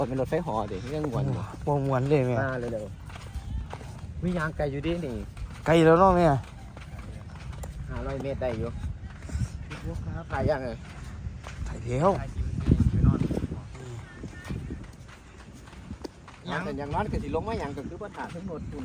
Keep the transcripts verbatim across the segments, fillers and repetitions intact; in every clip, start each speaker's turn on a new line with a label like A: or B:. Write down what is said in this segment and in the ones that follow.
A: เป็นรถไฟหอเด็กเรื่องหวน
B: มวนมวนเลยแม่
A: มาเร็วๆมียางไกลอยู่ดินี่
B: ไกลแล้วเนาะแม่
A: ห้าร้อยเมตรได้อยู่ถ่ายยังไง
B: ถ่ายเดียว
A: ยังแต่ยังร้อนก็สิลงมายังก็คือปัญหาทั้งหมดคุณ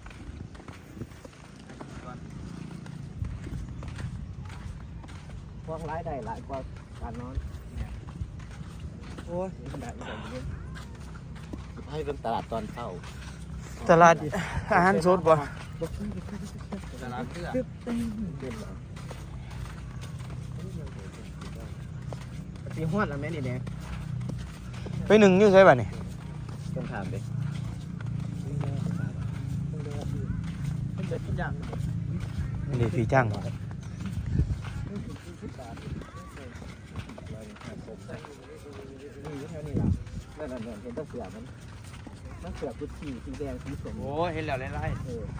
A: พวกร้ายได้หลายกว่าการนอนโอ้ยแบบนี้ให้เป็นตลาดตอนเช้า
B: ตลาดอาหารสดบ่
A: ตลาดเสื้อสีหอดแล้วแม่นี่เนี่ย
B: ไปหนึ่งอยู่ใช่ป่ะนี่
A: ต้องถามดิ
B: นี่พี่จ้าง
A: นี่แค่นี้ล่ะนั่นนั่นเห็นต้องเสือมันต้องเสือกุชีสีแดงสีส้ม
B: โอ้เห็นแล้วไล่
A: เออ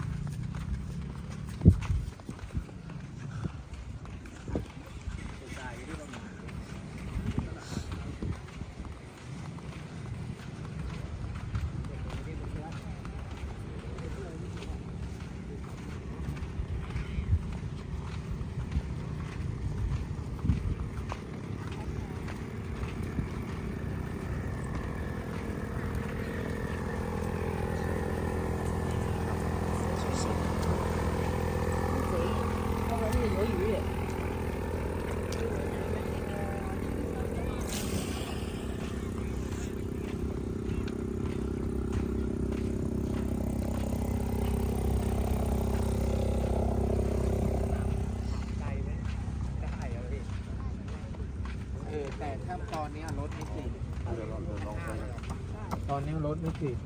A: แต่ถ้าตอนนี้รถไม่ติดตอนนี้รถไม่ติด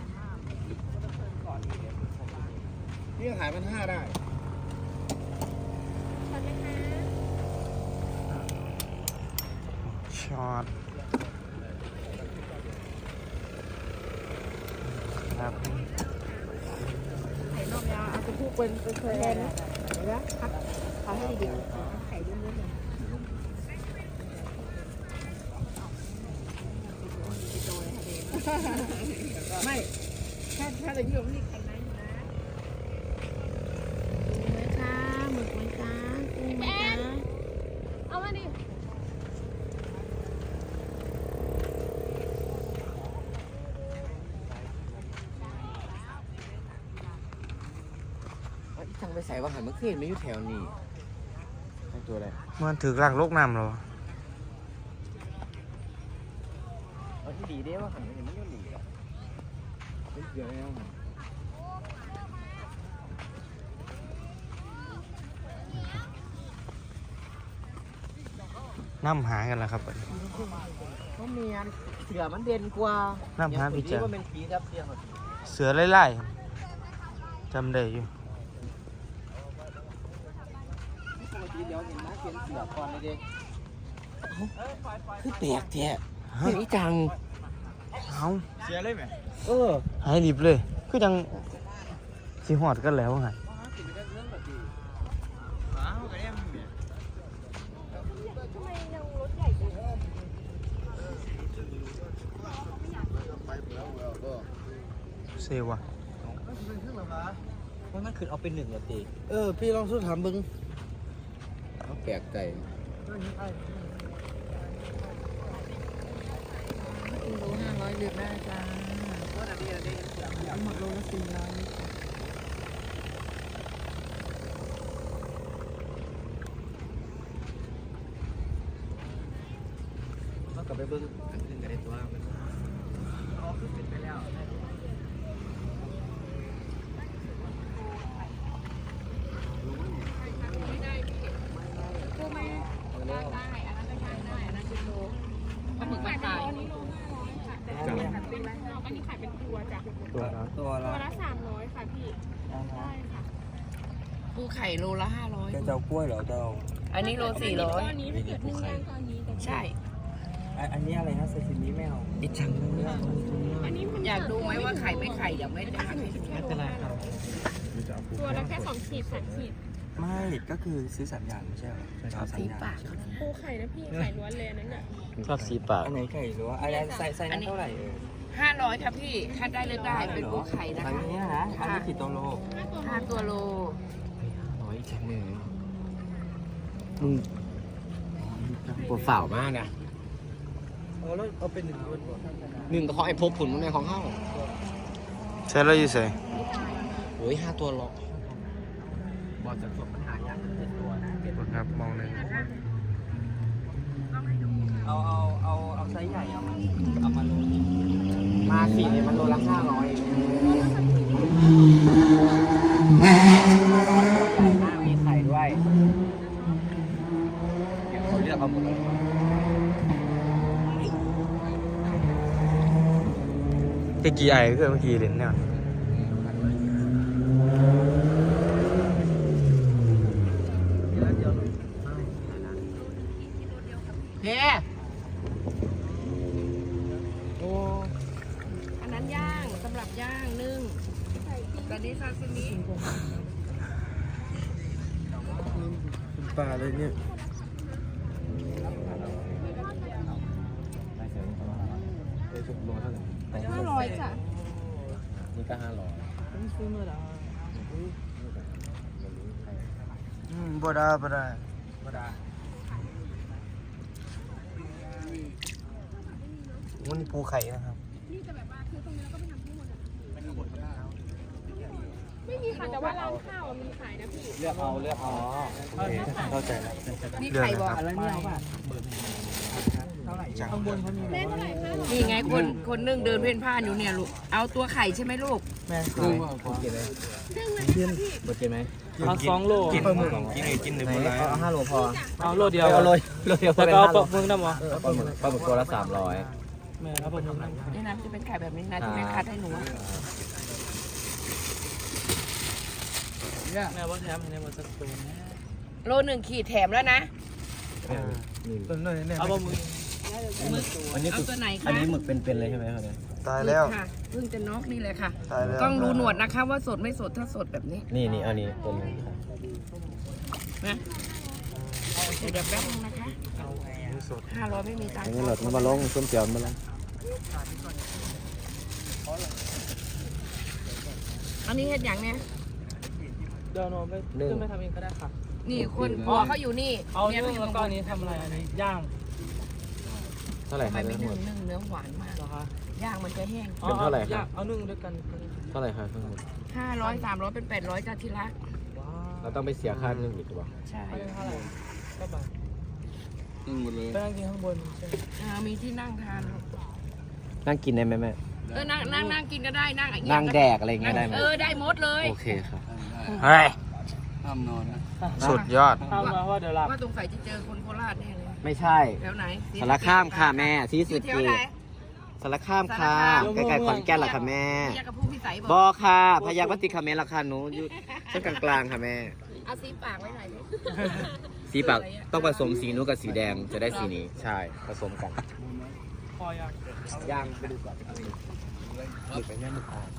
A: พี่ขายพันห้าได้
B: ช็อตครับ
C: ไข่นอกยาเอาไปพูดเป็นเป็นเคยแทนนะเดี๋ยวนะครับเขาให้ดีไข่เยอะๆหน่อยไม่ถ้าถ้าอะไรที่เราไม่ได้คันนั้นนะไหมคะหมึกไหมคะกุ้งไหมคะเอามาดิ
A: ทางไปใส่ว่าหันมันขึ้นไม่อยู่แถวนี้ตัวอะไร
B: มันถือกลางโลกน้ำเหรอ
A: เอาที่ดีได้ว่าหันมันไม่อยู่หนีหรอกไม่เกี่ยวแล้ว
B: น้ำหากันแล้วครับ
A: ก็มีอันเสือมันเด่นกว่า
B: น้ำหาพี่เจ้า
A: ว่าเป็นผีรับเสียง
B: เสือไล่ๆจำได้อยู่
A: ปกติเดี๋ยวเห็นนะเขียนเสือก่อนเลยเด็กคือแปลกแท้เสียงจัง
B: เอา
A: เสียเลยไหมเออ
B: หายรีบเลยคือจังสิหอดกันแล้วไงเซวะ
A: มันมันคือเอาเป็นหนึ่งละตี
B: เออพี่ลองสู้ถามบึง
A: เขาแปลกใจ
C: กิโลห้าร้อยเลือกได้จ้าหมดโลละสี่ร้อย
A: เขากลับไปเบิ้งอันขึ้นกันได้ตัวมันอ๋อขึ้นไปแล้วตัวละตัวละ
C: ตัวละสามร้อยค่ะพี่ใช่ค่ะ
D: ปูไข่โลละห้าร้อย
A: เจ้ากล้วยเหรอเจ้า
D: อันนี้โลสี่ร้อย
C: อันนี้ถ้าเกิดนึ่งย่างก็อันนี้แต่
D: ใช่
A: อันนี้อะไรนะซาซิมิไม่เอาดิจังเลย
C: อันนี้มัน
D: อยากดูไหมว่าไข่ไม่ไข่เดี๋ยวไม่ได้หักให้ดู
A: ไม่เป็นไรครับ
C: ตัวละแค่สองขีดสามขีด
A: ค
B: ไม่ก็คือซื้อสามอย่างไม่ใช่เหรอเอาสาม
D: สี
B: อย่าง
D: ปากเขานะ
C: ปูไข่นะพี่ไข่ล้วนเลยนั่นน่ะ
B: ชอบสีปากอันไหนไก่หรือว่าอะไรใส่ใส่นั้นเท่าไหร่เออ
D: ห้าร้อยครับพี่คัดได้เลยได้เป็นปูไข่นะ
B: อัน
D: คะ
B: นี้นะอันนี้กี่ตัวโล
D: ห้าตัวโล
A: ร้อยแค่หนึ่งมึงปวดฝ่าวมากนะ
B: เอาแล้วเอาเป็นหนึ่งตัว
A: หนึ่งก็ของไอ้พบผุนมันในของเข้า
B: ใช่แล้วอยู่ใส่
A: โอ้ยห้าตัวหรอกบอลจะจบปัญหายากเจ็ดตัวนะเจ็ดตัว
B: ครับมองเลย
A: เอาเอาเอาเอาไซส์ใหญ่เอามาเอามาโลมาสี่เนี่ยมันโลละห้าร้อยมีไข่ด้วยเดี๋ยวเขาเลือกเอาหมดเลย
B: เมื่อกี้ไอ้เพื่อนเมื่อกี้เล่นเนี่ย
A: เฮ้
D: โอ้อันนั้นย่างสำหรับย่างนึ่งตอนนี้ซาซิมิ
B: ปลาเลยเนี่ย
C: ห้าร้อยจ้ะ
A: นี่ก็ห้าร้อย
B: อืมบ่ได้บ่ได้
A: ก็ได้
B: มันปูไข่นะครับ
C: ไม่มีค่ะแต่ว่าร้านข้าวมีขายนะพี่
A: เลือกเอาเลือกเอา
B: โอเคเข้าใจแล้ว
D: นี่ไข่บอก
A: แล้วนี่เอาป่ะ
B: จัง
C: แม่เท่าไหร่คะ
D: นี่ไงคนคนนึ่งเดินเพ่นพ่านอยู่เนี่ยลูกเอาตัวไข่ใช่ไหมลูก
B: แม่
A: หนึ่งผมกินเลย
C: นึ่งเลยค่ะพี่
A: หมดกินไหม
B: เอาสองโลกินกินเลยกินหนึ่ง
A: ไหน
B: โล
A: เอาห้าโลพอ
B: เอาโลเดียว
A: เอาโลโลเดียว
B: แล้วก็เอาปลาหมึกน้ำวะ
A: ปลาหมึกปลาหมึกตัวละสามร้อย
B: แม่เอาปลาหมึกน้ำ
D: นี่นะจะเป็นไข่แบบนี้นะที่แม่คัดให้หนู
B: แม่ว่าแถมให้ในวันสักตัวนะ
D: โลหนึ่งขีดแถมแล้วนะ
B: ต้นเลยเนี่ยเอาปลาหมึก
A: อันนี้
D: เอา
A: คือ
D: ตัวไหน
A: อัน
D: คะ
A: นี้หมึกเป็นๆเลยใช่ไหมครับเนี่ย
B: ตายแล้ว
D: ค่ะเพิ่งจะน็อกนี่เลยค่ะ
B: ตายแล้ว
D: ต้องรู้หนวดนะคะว่าสดไม่สดถ้าสดแบบนี้
A: นี่นี่อันนี้ตัวนึงครับ
D: นะเดี๋ยวเดี๋ยวแป๊บนึงนะคะห้าร้อยไม่มีตังค์
A: อันนี้หลดมันมาลงส้มเจียวมาลง
D: อันนี้เห็ดอย่างเนี้ย
B: เดี๋ยวโน้ไปขึ้นไปทำเองก็ได้ค่ะ
D: นี่คนพ่อเขาอยู่นี่
B: เอา
D: เมีย
B: นึ่
D: เขา
B: ง
D: อยู่
B: แล้วก็อันนี้ทำอะไรอันนี้ย่าง
A: เท่าไหร่
D: ทำ
A: ค
D: ไม
A: รับ
D: ไม่
A: ทั้งหม
D: นึ่
A: ด
D: งนึ่งเนื้อหวานมาก
B: เหรอคะ
D: ย่างมันจะแห้ง
A: เป็นเท่าไหร่ครับ
B: เอานึ่งด้วยกัน
A: เท่าไหร่ครับทั้งหมด
D: ห้าร้อยสามร้อยเป็นแปดร้อยจ้าที่รัก
B: ว้า
A: เราต้องไปเสียค่านึ่งอีกหรือเปล่า
D: ใช่
B: วเท่าไหร่ก็บาท
A: นึ่งหมดเลย
B: ไปนั่งกินข้างบนใช่ไหม
D: อ่ามีที่นั่งทาน
A: นั่งกินได้ไหมแม่
D: เออนั่งนั่งนั่งกินก็ได้นั่งอย่างเงี้ย
A: นั่งแดกอะไรอย่างเงี้ยได้ไหม
D: เออได้หมดเลย
A: โอเคครับ
B: เฮ้ย
A: ห้ามนอนนะ
B: สุดยอดทำมาว่าเดี๋ยวหลับ
D: ว่าสงสัยจะเจอคนโคราชแน่เลย
A: ไม่ใช่
D: แถวไหน
A: สารข้ามค่ะแม่ที่
D: อ
A: สุ
D: ยู่
A: ด
D: แถว
A: คือ
D: ไหน
A: สารข้ามค่ะใกล้ๆขอนแก่นล่ะค่ะแม่
D: เรียกกับผู้พิสัยบบ อ
A: อก ค่ะพยัคฆ์วัติคาเมนราคาหนูอยู่เส้นกลางๆค่ะแม่
D: เอาสีปากไว้หน่อยดิ
A: สีปากต้องผสมสีนู้นกับสีแดงจะได้สีนี้ใช่ผสมกัน
B: พออยาก
A: ย่างไปดูก่อนหมึกไปย่างหมึกอ่อน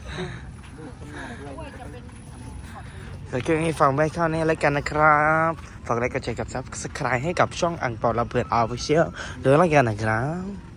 B: เดี๋ยวเกี่ยวให้ฟังไว้เข้านี้แล้วกันนะครับฝากไลค์กดแชร์กับซับสไครต์ให้กับช่องอังเปาลำเพลินออฟฟิเชียลเดี๋ยวแล้วกันนะครับ